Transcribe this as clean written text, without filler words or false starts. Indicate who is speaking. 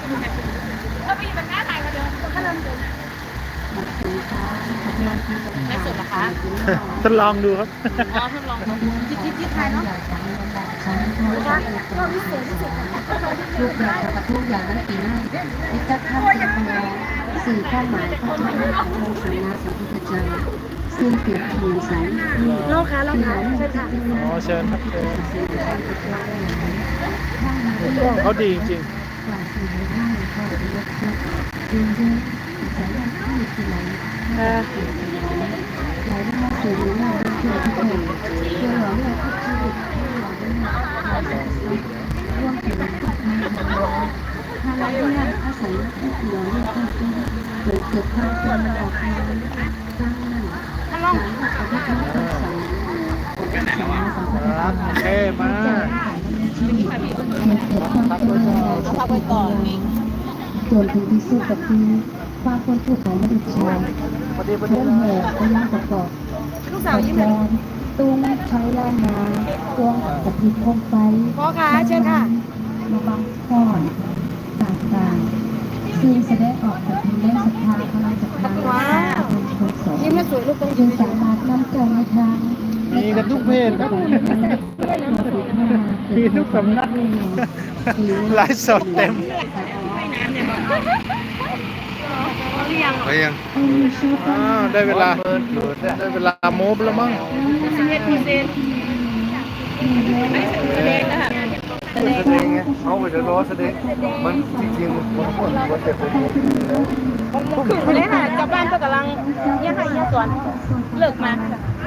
Speaker 1: ถ้าพี่มันหน้าถ่ายมาเดิมก็เริ่มเดินไม่สุดหรอคะ
Speaker 2: ทดลองดูครับ
Speaker 1: อ๋อทดลองที่ไทยเนาะก็วิเศษที่สุด
Speaker 3: ทุกอย่างกับทุกอย่างนั้นปีหน้าที่จะทำเป็นสื่อความหมายของพระองค์สัมมาสัมพุทธเจ้าซึ่งเปรียบเทียบสาย
Speaker 1: โลกค่ะโลกค่ะใช่ค่ะ
Speaker 2: อ๋อเชิญครับเชิญกล้องเขาดีจริง
Speaker 3: กล่าวสื่อในท่าในข้อที่ยกยกดูเยอะสายการที่มีที่ไหนไหลมาสู่หน้าเพื่อทุกคนเพื่อหล่อเลี้ยงทุกชีวิตเพื่อหล่อเลี้ยงความสัมพันธ์ร่วมถึงถ้าเราเลี้ยงอาศัยที่หล่อเลี้ยงทุกชีวิตเกิดความเป็นออกมาสร้างนั่นการปฏิบัติธรรมสอนของสัมมาสัมพุทธ
Speaker 2: ครับ
Speaker 3: เจ้า
Speaker 2: โอเคมา
Speaker 3: ชีวิตมันเกิดความเป็นมาเอาพักไว้ก่อนจนถึงที่สุดก็คือความคนทุกข์ของมนุษย์ชาย
Speaker 2: พอดี
Speaker 3: เรื่องแห่พยางประกอบ
Speaker 1: ลูกสาวยิ้มเลย
Speaker 3: ตุ้งใช้แรงงานกวงกับพิษคมไฟ
Speaker 1: พ่อค่ะเชิญค่ะ
Speaker 3: มาบังก้อนต่างๆซึ่งแสดงออกจากทางแรงศรัทธาพลังศรัทธาเป็นคนสอน
Speaker 1: ยิ้มแล้วสวยลูกต้อง
Speaker 3: จึงสามารถนำใจในทาง
Speaker 2: มีกันทุกเพศครับมีทุกสำนักไลฟ์สดเต็ม
Speaker 4: ไปยัง
Speaker 2: ได้เวลาโมบแล้วมั้ง
Speaker 4: แสดงไงเขาไปจะรอแสดงมันจริงๆมันควรจะเป็น
Speaker 1: ขึ้นไปเลยค่ะกลับบ้านก็กำลังเนี่ยค่ะเนี่ยสวนเลิกมา
Speaker 3: เ